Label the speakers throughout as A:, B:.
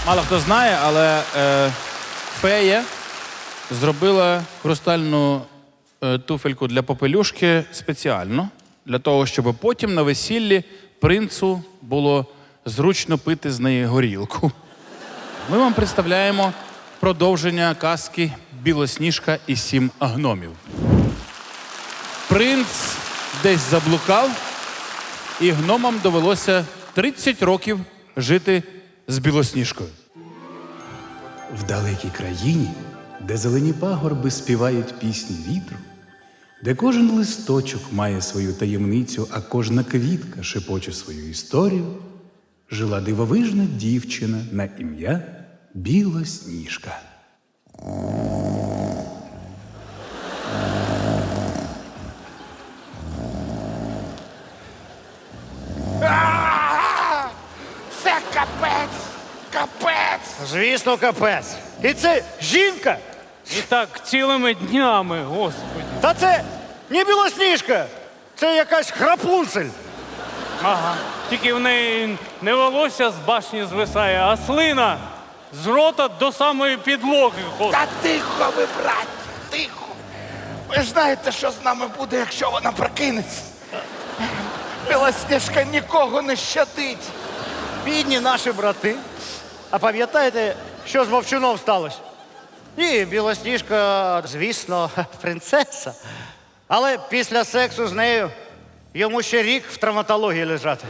A: Мало хто знає, але фея зробила хрустальну туфельку для попелюшки спеціально, для того, щоб потім на весіллі принцу було зручно пити з неї горілку. Ми вам представляємо продовження казки «Білосніжка і 7 гномів». Принц десь заблукав, і гномам довелося 30 років жити з Білосніжкою.
B: В далекій країні, де зелені пагорби співають пісні вітру, де кожен листочок має свою таємницю, а кожна квітка шепоче свою історію, жила дивовижна дівчина на ім'я Білосніжка.
C: Це капець! Капець!
D: Звісно, капець. І це жінка?
E: І так цілими днями, господи.
D: Та це не Білосніжка. Це якась храпунцель.
E: Ага. Тільки в неї не волосся з башні звисає, а слина з рота до самої підлоги ходить.
C: Та тихо ви, браття, тихо! Ви ж знаєте, що з нами буде, якщо вона прокинеться? Білосніжка нікого не щадить.
D: Бідні наші брати. А пам'ятаєте, що з Вовчуном сталося? Ні, Білосніжка, звісно, принцеса. Але після сексу з нею йому ще рік в травматології лежати.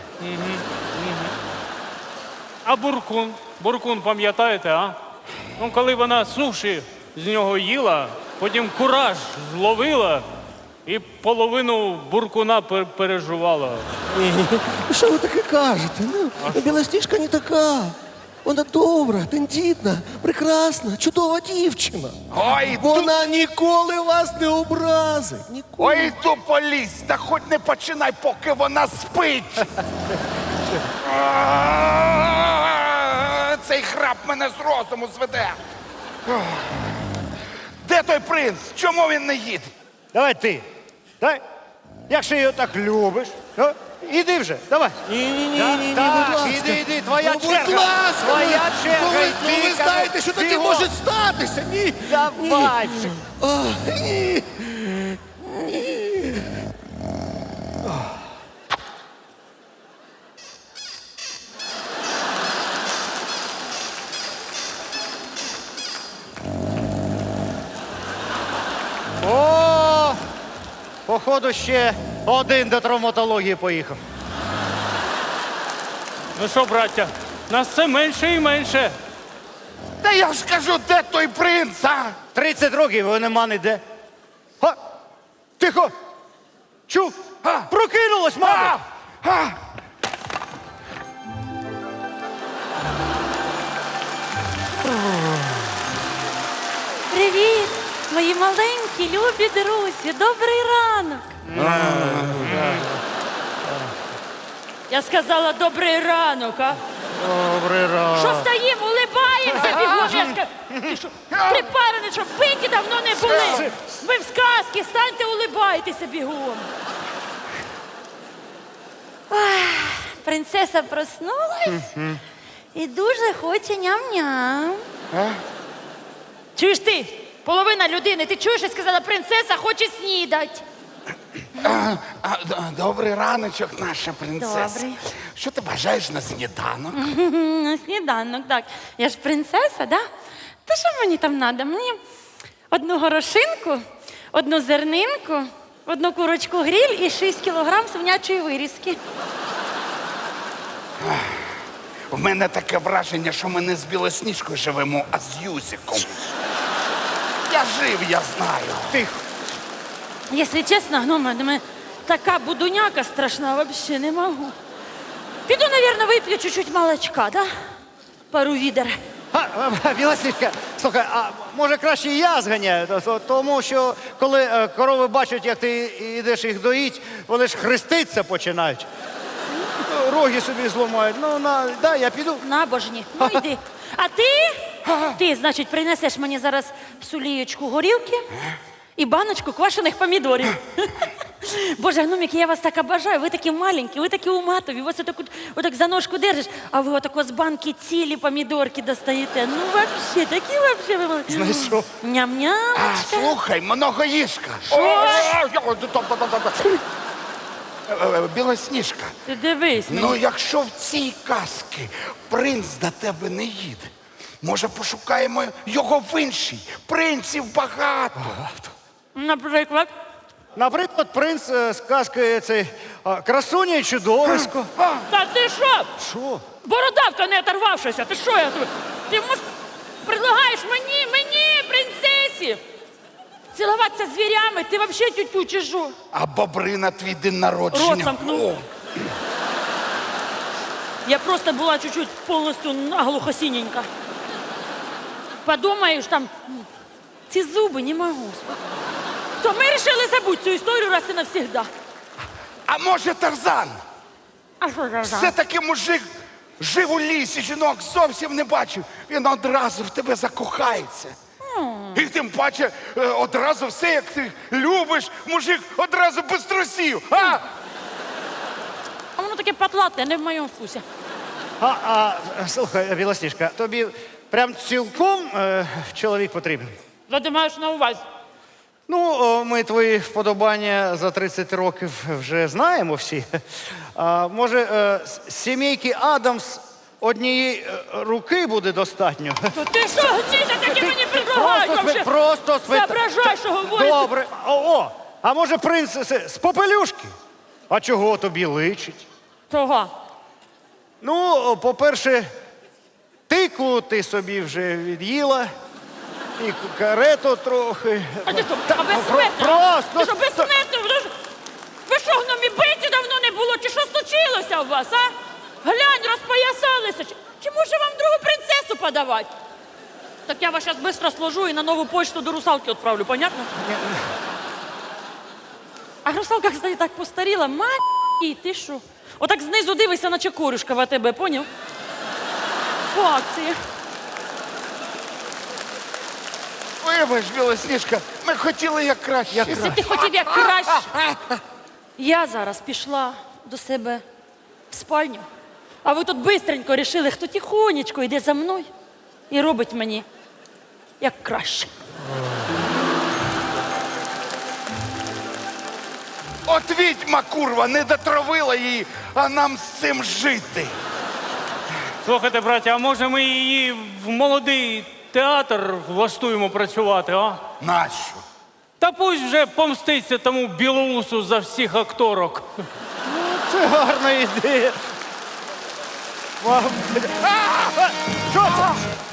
E: А буркун? Буркун, пам'ятаєте, а? Ну, коли вона суші з нього їла, потім кураж зловила і половину буркуна пережувала.
F: Що ви таке кажете? Ну, Білосніжка не така. Вона добра, тендітна, прекрасна, чудова дівчина.
C: Ой,
F: Вона ніколи вас не образить. Ніколи.
C: ой, тупо лізь, та хоч не починай, поки вона спить. Цей храп мене з розуму зведе. Де той принц? Чому він не їде?
D: Давай ти. Давай. Якщо її так любиш, то іди вже, давай.
F: Ні,
D: Так,
F: будь ласка.
D: іди, твоя
F: Ну,
D: черга.
F: будь ласка.
D: Твоя черга.
F: Ну,
D: йди,
F: ви знаєте, що таке
D: бігом.
F: може статися. Ні.
D: Давай.
F: Ні.
D: О, походу, ще один до травматології поїхав.
E: Ну що, браття, нас все менше і менше.
C: Та я ж кажу, де той принц, а?
D: 30 років його нема ніде. Га? Тихо! Чув? Прокинулась, мама!
C: А!
G: Привіт, мої маленькі, любі друзі, добрий ранок. Я сказала добрий ранок, а?
D: Добрий ранок.
G: Що стоїмо, улибаємося бігом? Я Ти що, припарений, що биті давно не були? Ви в сказки, станьте, улибайтеся бігом. Ой, принцеса проснулась і дуже хоче ням-ням. Чуєш ти, половина людини, ти чуєш, я сказала, принцеса хоче снідати.
C: Добрий раночок, наша принцеса.
G: Добрий.
C: Що ти бажаєш на сніданок?
G: На сніданок, так. Я ж принцеса, да? Та що мені там треба? Мені одну горошинку, одну зернинку, одну курочку гриль і 6 кілограм свинячої вирізки.
C: У мене таке враження, що ми не з Білосніжкою живемо, а з Юсиком. Я жив, я знаю.
D: Тихо.
G: Якщо чесно, гнома, до мене така будуняка страшна, взагалі не можу. Піду, мабуть, вип'ю чуть-чуть молочка, да? Пару відер.
D: Білосніжка, слухай, а може краще я зганяю? Тому що коли корови бачать, як ти йдеш їх доїть, вони ж хреститися починають. Роги собі зламають. Ну, дай, я піду.
G: Набожні. Ну йди. А ти, значить, принесеш мені зараз псулієчку горілки і баночку квашених помідорів. Боже, гномики, я вас так обожаю. Ви такі маленькі, ви такі уматові. Вас отак за ножку держиш, а ви отако з банки цілі помідорки достаєте. Ну, вообще, такі вообще ви молодці.
D: Знайшов.
G: Ням-ням.
C: Слухай, многоїжка. Білосніжка.
G: Ти дивись.
C: Ну, якщо в цій казці принц до тебе не їде, може пошукаємо його в іншій? Принців багато.
G: Наприклад.
D: Наприклад, принц з казки цей красуня і чудовисько.
G: Та ти що?
D: Що?
G: Бородавка не оторвавшися. Ти що я тобі? Ти предлагаєш мені, принцесі, цілуватися з звірями? Ти взагалі тютю чи що?
C: А бобри на твій день народження.
G: Рот замкнув.
C: О,
G: Я просто була чуть-чуть повністю наглухо синенька. Подумаєш, там, ці зуби не можу. Все, ми вирішили забути цю історію раз і навсегда.
C: а може Тарзан?
G: А що за
C: Все-таки мужик жив у лісі, жінок зовсім не бачив. Він одразу в тебе закохається. І тим паче одразу все, як ти любиш, мужик одразу без трусів. А?
G: А воно таке патлате, не в моєму вкусі.
D: Слухай, Білосніжка, тобі прям цілком чоловік потрібен?
G: Що ти маєш на увазі?
D: Ну, ми твої вподобання за 30 років вже знаємо всі. Може, з сімейки Адамс однієї руки буде достатньо?
G: То ти що, гніда, такі мені предлагають вообще?
D: Просто
G: Соображай, що говориш.
D: Добре. А може принц з попелюшки? А чого тобі личить?
G: Чого?
D: Ну, по-перше, тику ти собі вже від'їла, і карету трохи.
G: А ти що, безсмертно?
D: Просто.
G: Ти що, безсмертно? Ви що, гномі, биті давно не було? Чи що случилося у вас, а? Глянь, розпоясалися. Чи може вам другу принцесу подавати? Так я вас зараз швидко сложу і на нову почту до русалки відправлю, понятно? А русалка, кстати, так постаріла. Ма***й, ти що? Отак знизу дивишся, наче корюшка в АТБ, поняв? По акції.
C: Вибач, Білосніжка, ми хотіли як краще.
G: Якщо ти хотів як краще. Я зараз пішла до себе в спальню, а ви тут бистренько рішили, хто тихонечко йде за мною і робить мені як краще.
C: От відьма, курва, не дотравила її, а нам з цим жити.
E: Слухайте, браття, а може ми її в молодий театр влаштуємо працювати, а?
C: Нащо?
E: Та пусть вже помститься тому білоусу за всіх акторок.
D: Це гарна ідея. Що це?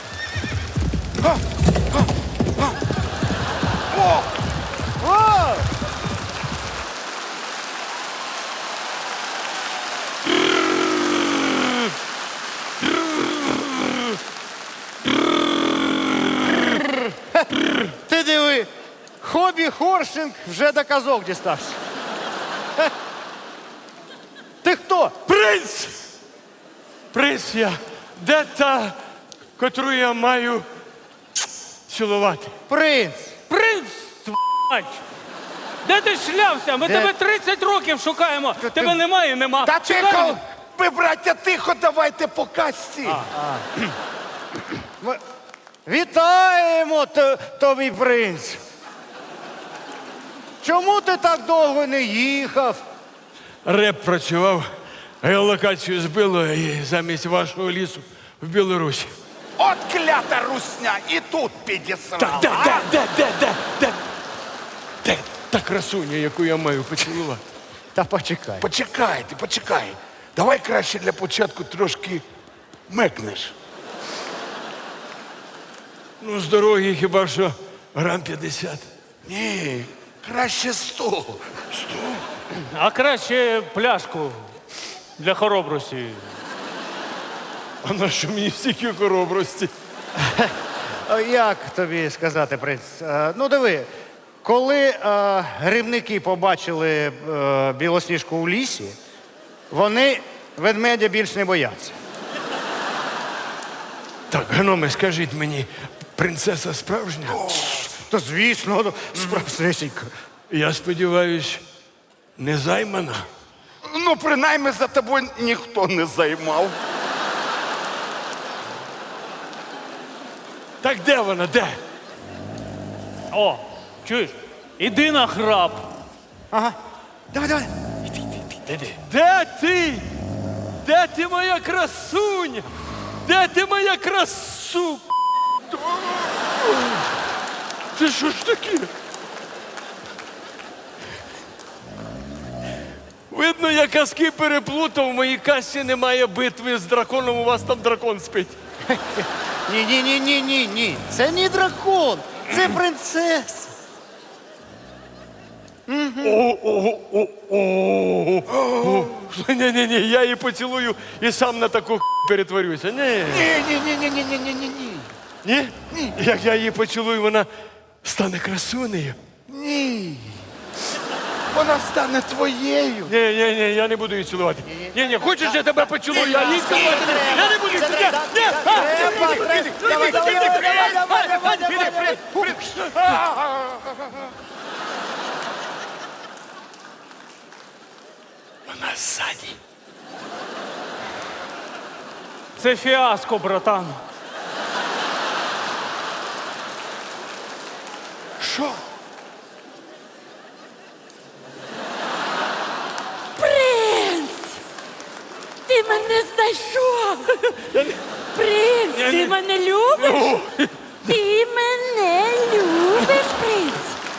D: О! Ти диви, хобі хорсинг вже до казок дістався. Ти хто?
H: Принц! Принц я. Де та, котру я маю цілувати?
D: Принц.
E: Принц, твать! Де ти шлявся? Ми
D: Де?
E: тебе 30 років шукаємо. Тебе немає, нема.
C: Та
E: Чекай.
C: тихо! Ви, браття, тихо, давайте по касті.
D: Вітаємо тобі, принц. Чому ти так довго не їхав?
H: Реп працював, геолокацію збило і замість вашого лісу в Білорусі.
C: От клята русня, і тут підісрала.
H: Де та красуня, яку я маю поцілувати?
D: Та почекай.
C: Почекай. Давай краще для початку трошки мекнеш.
H: Ну, з дороги хіба що грам 50.
C: Ні, краще 100.
E: А краще пляшку для хоробрості.
H: А на що мені стільки хоробрості?
D: Як тобі сказати, принц? Ну, диви, коли грибники побачили білосніжку у лісі, вони ведмедя більш не бояться.
H: Так, гноми, скажіть мені, принцеса справжня?
D: Та звісно, справжнісінько.
H: Я сподіваюсь, Не займана.
C: Ну, принаймні за тобою ніхто не займав.
H: Так де вона? Де?
E: О, чуєш? Іди на храп.
D: Ага. Давай, давай.
H: Де ти? Де ти, моя красуня? Де ти, моя красу? Це що ж таке? Видно, я казки переплутав, в моїй касі немає битви з драконом, у вас там дракон спить.
D: Ні. Це не дракон, це принцеса.
H: Ні, я її поцілую і сам на таку перетворюся. Ні.
C: Ні.
H: Ні? Як я її поцілую, вона стане красунею.
C: Ні. Вона стане твоєю.
H: Ні, я не буду її цілувати. Ні, хочеш, я тебе поцілую, я її цілувати не буду. Я не буду її цілувати. Вона ззаді.
E: Це фіаско, братан.
C: Що?
G: Принц! Ти мене знайшов! Принц, ти мене любиш? Ти мене любиш, принц?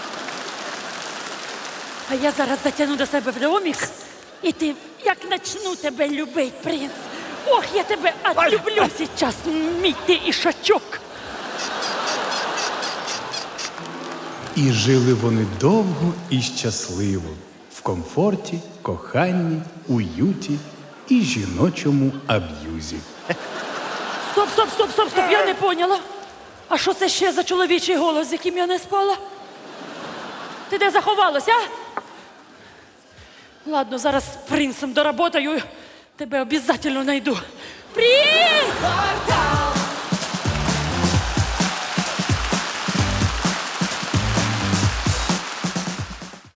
G: А я зараз затягну до себе в домик, і ти, як начну тебе любить, принц. Ох, я тебе отлюблю сейчас, мій ти ішачок.
B: І жили вони довго і щасливо, в комфорті, коханні, уюті і жіночому аб'юзі.
G: Стоп, я не поняла. А що це ще за чоловічий голос, з яким я не спала? Ти де заховалася, а? Ладно, зараз з принцем доработаю, тебе обов'язково знайду. Принц!